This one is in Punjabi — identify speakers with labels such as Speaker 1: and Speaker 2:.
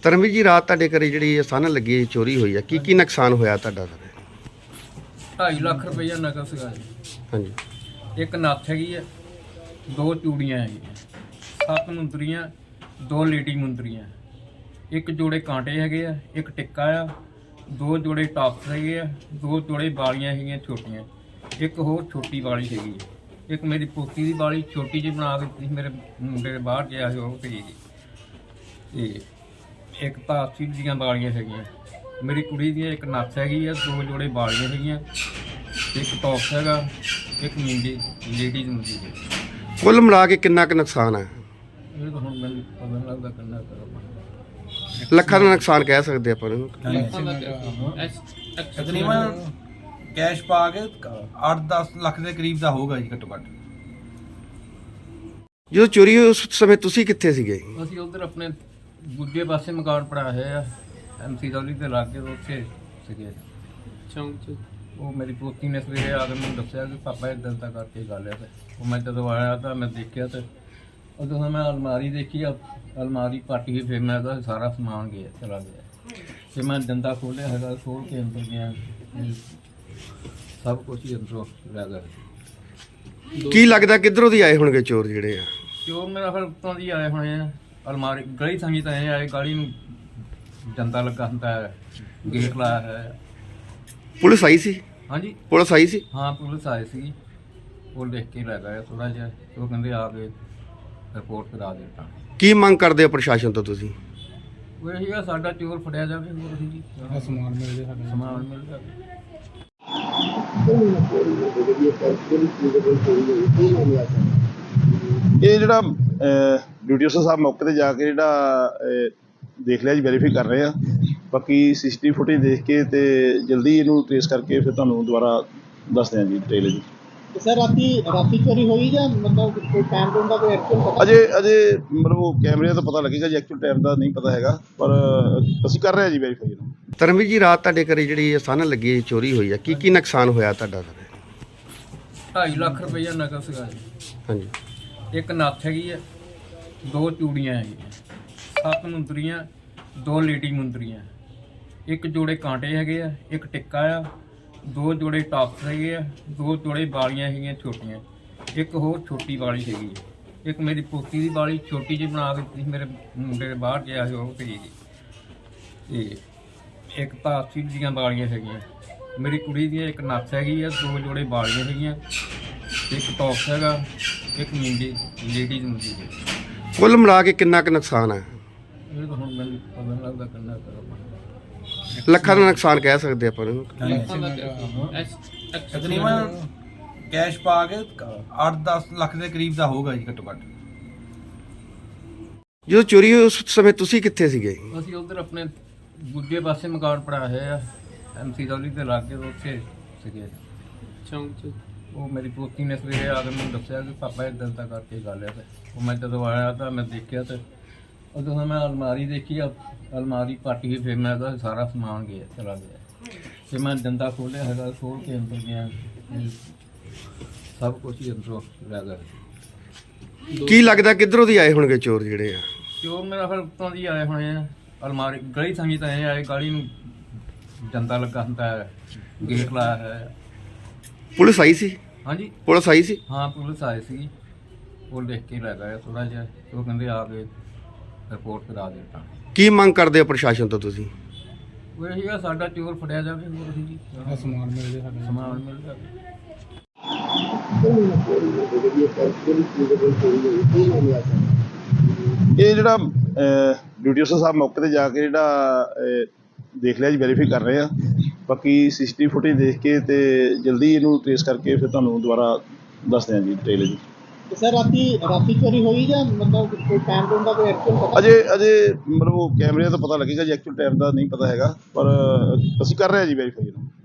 Speaker 1: ਧਰਮਵੀਰ ਜੀ, ਰਾਤ ਤੁਹਾਡੇ ਘਰੇ ਜਿਹੜੀ ਸਨ ਲੱਗੀ ਚੋਰੀ ਹੋਈ ਹੈ, ਕੀ ਨੁਕਸਾਨ ਹੋਇਆ ਤੁਹਾਡਾ ਸਰ?
Speaker 2: 2.5 ਲੱਖ ਰੁਪਈਆ ਨਕਦ ਸੀਗਾ ਜੀ।
Speaker 1: ਹਾਂਜੀ।
Speaker 2: ਇੱਕ ਨੱਥ ਹੈਗੀ ਆ, 2 ਚੂੜੀਆਂ ਹੈਗੀਆਂ, 7 ਮੁੰਦਰੀਆਂ, 2 ਲੇਡੀ ਮੁੰਦਰੀਆਂ, ਇੱਕ ਜੋੜੇ ਕਾਂਟੇ ਹੈਗੇ ਆ, ਇੱਕ ਟਿੱਕਾ ਆ, 2 ਜੋੜੇ ਟਾਪਸ ਹੈਗੇ ਆ, 2 ਜੋੜੇ ਵਾਲੀਆਂ ਹੈਗੀਆਂ ਛੋਟੀਆਂ, ਇੱਕ ਹੋਰ ਛੋਟੀ ਵਾਲੀ ਹੈਗੀ ਹੈ, ਇੱਕ ਮੇਰੀ ਪੋਤੀ ਦੀ ਵਾਲੀ ਛੋਟੀ ਜਿਹੀ ਬਣਾ ਕੇ ਦਿੱਤੀ, ਮੇਰੇ ਮੁੰਡੇ ਦੇ ਬਾਹਰ ਗਿਆ ਸੀ ਉਹ ਤੇ ਇੱਕ ਤਾਂ 80 ਦੀਆਂ ਵਾਲੀਆਂ ਹੈਗੀਆਂ, ਮੇਰੀ ਕੁੜੀ ਦੀਆਂ ਇੱਕ ਨੱਥ ਹੈਗੀ ਆ, 2 ਜੋੜੇ ਵਾਲੀਆਂ ਹੈਗੀਆਂ, ਇੱਕ ਟੌਪਸ ਹੈਗਾ, ਇੱਕ ਮੁੰਡੀ ਲੇਡੀਜ਼ ਮੁੰਡੀ ਹੈ।
Speaker 1: ਕੁੱਲ ਮਿਲਾ ਕੇ ਕਿੰਨਾ ਕੁ ਨੁਕਸਾਨ ਹੈ?
Speaker 2: ਇਹ ਤਾਂ ਹੁਣ ਮੈਨੂੰ ਪਤਾ ਨਹੀਂ ਲੱਗਦਾ ਕਿੰਨਾ ਕਰੋ।
Speaker 1: ਲੱਖਾਂ ਦਾ ਨੁਕਸਾਨ ਕਹਿ ਸਕਦੇ ਆਪਾਂ ਇਹਨੂੰ।
Speaker 3: ਤਕਰੀਬਨ ਕੈਸ਼ ਪਾ ਕੇ 8-10 ਲੱਖ ਦੇ ਕਰੀਬ ਦਾ ਹੋਊਗਾ ਜੀ ਘੱਟੋ ਘੱਟ।
Speaker 1: ਜਦੋਂ ਚੋਰੀ ਹੋਈ ਉਸ ਸਮੇਂ ਤੁਸੀਂ ਕਿੱਥੇ ਸੀਗੇ?
Speaker 2: ਅਸੀਂ ਉਧਰ ਆਪਣੇ ਦੂਜੇ ਪਾਸੇ ਮਕਾਨ ਪੜਾ ਹੋਏ ਆ, MC ਦੌਲੀ ਦੇ ਲਾਗੇ ਉੱਥੇ ਸੀਗੇ ਚੌਂਕ 'ਚ। ਉਹ ਮੇਰੀ ਪੋਤੀ ਨੇ ਸਵੇਰੇ ਆ ਕੇ ਮੈਨੂੰ ਦੱਸਿਆ ਕਿ ਪਾਪਾ ਇੱਦਾਂ ਦਾ ਕਰਕੇ ਗੱਲ ਹੈ। ਉਹ ਮੈਂ ਜਦੋਂ ਆਇਆ ਤਾਂ ਮੈਂ ਦੇਖਿਆ ਤੇ ਉਦੋਂ ਮੈਂ ਅਲਮਾਰੀ ਦੇਖੀ, ਅਲਮਾਰੀ ਪੱਟ ਗਈ, ਫਿਰ ਮੈਂ ਉਹਦਾ ਸਾਰਾ ਸਮਾਨ ਚਲਾ ਗਿਆ ਤੇ ਮੈਂ ਡੰਡਾ ਖੋਲ੍ਹਿਆ ਹੈਗਾ, ਖੋਲ ਕੇ ਅੰਦਰ ਗਿਆ, ਸਭ ਕੁਝ ਹੀ ਅੰਦਰੋਂ ਲੈ ਗਿਆ।
Speaker 1: ਕੀ ਲੱਗਦਾ ਕਿੱਧਰੋਂ ਦੀ ਆਏ ਹੋਣਗੇ ਚੋਰ ਜਿਹੜੇ ਆ?
Speaker 2: ਚੋਰ ਮੇਰਾ ਫਿਰ ਉੱਤੋਂ ਦੀ ਆਏ ਹੋਣੇ ਆ, ਅਲਮਾਰੀ ਗਲੀ ਸੰਗੀ ਤਾਂ ਇਹ ਆਏ, ਗਲੀ ਨੂੰ ਡੰਡਾ ਲੱਗਾ ਹੁੰਦਾ ਹੈ, ਗੇਟ ਲਾਇਆ ਹੈ।
Speaker 1: ਪੁਲਿਸ ਆਈ ਸੀ?
Speaker 2: ਹਾਂਜੀ,
Speaker 1: ਪੁਲਿਸ ਆਈ ਸੀ?
Speaker 2: ਹਾਂ ਪੁਲਿਸ ਆਈ ਸੀ, ਉਹ ਦੇਖ ਕੇ ਲੈ ਗਏ ਥੋੜਾ ਜਿਹਾ, ਉਹ ਕਹਿੰਦੇ ਆ ਕੇ ਰਿਪੋਰਟ ਕਰਾ ਦਿੱਤਾ।
Speaker 1: ਕੀ ਮੰਗ ਕਰਦੇ ਹੋ ਪ੍ਰਸ਼ਾਸਨ ਤੋਂ ਤੁਸੀਂ?
Speaker 2: ਉਹ ਇਹ ਸੀਗਾ ਸਾਡਾ ਚੋਰ ਫੜਿਆ ਜਾਵੇ, ਹੋਰ ਜੀ ਸਮਾਨ ਮਿਲ ਜਾਵੇ, ਸਾਡਾ ਸਮਾਨ ਮਿਲ ਜਾਵੇ।
Speaker 4: ਇਹ ਜਿਹੜਾ ਡਿਊਟੀ ਅਫਸਰ ਸਾਹਿਬ ਮੌਕੇ ਤੇ ਜਾ ਕੇ ਦੇਖ ਲਿਆ ਜੀ, ਵੈਰੀਫਾਈ ਕਰ ਰਹੇ ਆ। ਬਾਕੀ CCTV ਫੁਟੇਜ ਦੇਖ ਕੇ ਤੇ ਜਲਦੀ ਇਹਨੂੰ ਟ੍ਰੇਸ ਕਰਕੇ ਫਿਰ ਤੁਹਾਨੂੰ ਦੁਬਾਰਾ ਦੱਸਦੇ ਹਾਂ ਜੀ ਡਿਟੇਲ ਜੀ।
Speaker 5: ਸਰ ਰਾਤੀ ਚੋਰੀ ਹੋਈ ਜਾਂ ਮਤਲਬ ਕੋਈ ਟਾਈਮ ਟੂਮ ਦਾ ਕੋਈ ਐਕਚੁਅਲ ਪਤਾ?
Speaker 4: ਅਜੇ ਮਤਲਬ ਉਹ ਕੈਮਰਿਆਂ ਤੋਂ ਪਤਾ ਲੱਗੇਗਾ ਜੀ, ਐਕਚੁਅਲ ਟਾਈਮ ਦਾ ਨਹੀਂ ਪਤਾ ਹੈਗਾ, ਪਰ ਅਸੀਂ ਕਰ ਰਹੇ ਹਾਂ ਜੀ ਵੈਰੀਫਾਈ ਇਹਨੂੰ।
Speaker 1: ਧਰਮਵੀਰ ਜੀ, ਰਾਤ ਤੁਹਾਡੇ ਘਰੇ ਜਿਹੜੀ ਸਨ ਲੱਗੀ ਚੋਰੀ ਹੋਈ ਹੈ, ਕੀ ਨੁਕਸਾਨ ਹੋਇਆ ਤੁਹਾਡਾ ਸਰ?
Speaker 2: 2.5 ਲੱਖ ਰੁਪਈਆ ਨਕਦ ਸੀਗਾ ਜੀ।
Speaker 1: ਹਾਂਜੀ।
Speaker 2: ਇੱਕ ਨੱਥ ਹੈਗੀ ਆ, 2 ਚੂੜੀਆਂ ਹੈਗੀਆਂ, 7 ਮੁੰਦਰੀਆਂ, 2 ਲੇਡੀ ਮੁੰਦਰੀਆਂ, ਇੱਕ ਜੋੜੇ ਕਾਂਟੇ ਹੈਗੇ ਆ, ਇੱਕ ਟਿੱਕਾ ਆ, 2 ਜੋੜੇ ਟਾਪਸ ਹੈਗੇ ਆ, 2 ਜੋੜੇ ਵਾਲੀਆਂ ਹੈਗੀਆਂ ਛੋਟੀਆਂ, ਇੱਕ ਹੋਰ ਛੋਟੀ ਵਾਲੀ ਹੈਗੀ ਹੈ, ਇੱਕ ਮੇਰੀ ਪੋਤੀ ਦੀ ਵਾਲੀ ਛੋਟੀ ਜਿਹੀ ਬਣਾ ਕੇ ਦਿੱਤੀ, ਮੇਰੇ ਮੁੰਡੇ ਦੇ ਬਾਹਰ ਗਿਆ ਸੀ ਉਹ ਤੇ ਇੱਕ ਤਾਂ 80 ਦੀਆਂ ਵਾਲੀਆਂ ਹੈਗੀਆਂ, ਮੇਰੀ ਕੁੜੀ ਦੀਆਂ ਇੱਕ ਨੱਥ ਹੈਗੀ ਆ, 2 ਜੋੜੇ ਵਾਲੀਆਂ ਹੈਗੀਆਂ, ਇੱਕ ਟੌਪਸ ਹੈਗਾ, ਇੱਕ ਮੁੰਡੀ ਲੇਡੀਜ਼ ਮੁੰਡੀ ਹੈ।
Speaker 1: ਕੁੱਲ ਮਿਲਾ ਕੇ ਕਿੰਨਾ ਕੁ ਨੁਕਸਾਨ ਹੈ?
Speaker 2: ਇਹ ਤਾਂ ਹੁਣ ਮੈਨੂੰ ਪਤਾ ਨਹੀਂ ਲੱਗਦਾ ਕਿੰਨਾ ਕਰੋ।
Speaker 1: ਲੱਖਾਂ ਦਾ ਨੁਕਸਾਨ ਕਹਿ ਸਕਦੇ ਆਪਾਂ ਇਹਨੂੰ।
Speaker 3: ਤਕਰੀਬਨ ਕੈਸ਼ ਪਾ ਕੇ 8-10 ਲੱਖ ਦੇ ਕਰੀਬ ਦਾ ਹੋਊਗਾ ਜੀ ਘੱਟੋ ਘੱਟ।
Speaker 1: ਜਦੋਂ ਚੋਰੀ ਹੋਈ ਉਸ ਸਮੇਂ ਤੁਸੀਂ ਕਿੱਥੇ ਸੀਗੇ?
Speaker 2: ਅਸੀਂ ਉਧਰ ਆਪਣੇ ਦੂਜੇ ਪਾਸੇ ਮਕਾਨ ਪੜਾ ਹੋਏ ਆ, MC ਦੌਲੀ ਦੇ ਲਾਗੇ ਉੱਥੇ ਸੀਗੇ ਚੌਂਕ 'ਚ। ਉਹ ਮੇਰੀ ਪੋਤੀ ਨੇ ਸਵੇਰੇ ਆ ਕੇ ਮੈਨੂੰ ਦੱਸਿਆ ਕਿ ਪਾਪਾ ਇੱਦਾਂ ਦਾ ਕਰਕੇ ਗੱਲ ਹੈ। ਉਹ ਮੈਂ ਜਦੋਂ ਆਇਆ ਤਾਂ ਮੈਂ ਦੇਖਿਆ ਤੇ ਉਦੋਂ ਮੈਂ ਅਲਮਾਰੀ ਦੇਖੀ, ਅਲਮਾਰੀ ਪੱਟ ਗਈ, ਫਿਰ ਮੈਂ ਉਹਦਾ ਸਾਰਾ ਸਮਾਨ ਚਲਾ ਗਿਆ ਤੇ ਮੈਂ ਡੰਡਾ ਖੋਲ੍ਹਿਆ ਹੈਗਾ, ਖੋਲ ਕੇ ਅੰਦਰ ਗਿਆ, ਸਭ ਕੁਝ ਹੀ ਅੰਦਰੋਂ ਲੈ ਗਿਆ।
Speaker 1: ਕੀ ਲੱਗਦਾ ਕਿੱਧਰੋਂ ਦੀ ਆਏ ਹੋਣਗੇ ਚੋਰ ਜਿਹੜੇ ਆ?
Speaker 2: ਚੋਰ ਮੇਰਾ ਫਿਰ ਉੱਤੋਂ ਦੀ ਆਏ ਹੋਣੇ ਆ, ਅਲਮਾਰੀ ਗਲੀ ਸੰਗੀ ਤਾਂ ਇਹ ਆਏ, ਗਲੀ ਨੂੰ ਡੰਡਾ ਲੱਗਾ ਹੁੰਦਾ ਹੈ, ਗੇਟ ਲਾਇਆ ਹੈ।
Speaker 1: ਪੁਲਿਸ ਆਈ ਸੀ?
Speaker 2: ਹਾਂਜੀ,
Speaker 1: ਪੁਲਿਸ ਆਈ ਸੀ?
Speaker 2: ਹਾਂ ਪੁਲਿਸ ਆਈ ਸੀ, ਉਹ ਦੇਖ ਕੇ ਲੈ ਗਏ ਥੋੜਾ ਜਿਹਾ, ਉਹ ਕਹਿੰਦੇ ਆ ਕੇ ਰਿਪੋਰਟ ਕਰਾ ਦਿੱਤਾ। ਕੀ
Speaker 1: ਮੰਗ ਕਰਦੇ ਹੋ ਪ੍ਰਸ਼ਾਸਨ ਤੋਂ ਤੁਸੀਂ?
Speaker 2: ਉਹ ਇਹ ਸੀਗਾ ਸਾਡਾ ਚੋਰ ਫੜਿਆ ਜਾਵੇ, ਹੋਰ ਜੀ ਸਮਾਨ ਮਿਲ ਜਾਵੇ, ਸਾਡਾ ਸਮਾਨ ਮਿਲ ਜਾਵੇ।
Speaker 4: ਇਹ ਜਿਹੜਾ ਡਿਊਟੀ ਅਫਸਰ ਸਾਹਿਬ ਮੌਕੇ ਤੇ ਜਾ ਕੇ ਦੇਖ ਲਿਆ ਜੀ, ਵੈਰੀਫਾਈ ਕਰ ਰਹੇ ਆ। ਬਾਕੀ CCTV ਫੁਟੇਜ ਦੇਖ ਕੇ ਤੇ ਜਲਦੀ ਇਹਨੂੰ ਟ੍ਰੇਸ ਕਰਕੇ ਫਿਰ ਤੁਹਾਨੂੰ ਦੁਬਾਰਾ ਦੱਸਦੇ ਹਾਂ ਜੀ ਡਿਟੇਲ ਜੀ।
Speaker 5: ਸਰ ਰਾਤੀ ਚੋਰੀ ਹੋਈ ਜਾਂ ਮਤਲਬ ਕੋਈ ਟਾਈਮ ਟੂਮ ਦਾ ਕੋਈ ਐਕਚੁਅਲ ਪਤਾ?
Speaker 4: ਅਜੇ ਮਤਲਬ ਉਹ ਕੈਮਰਿਆਂ ਤੋਂ ਪਤਾ ਲੱਗੇਗਾ ਜੀ, ਐਕਚੁਅਲ ਟਾਈਮ ਦਾ ਨਹੀਂ ਪਤਾ ਹੈਗਾ, ਪਰ ਅਸੀਂ ਕਰ ਰਹੇ ਹਾਂ ਜੀ ਵੈਰੀਫਾਈ ਇਹਨੂੰ।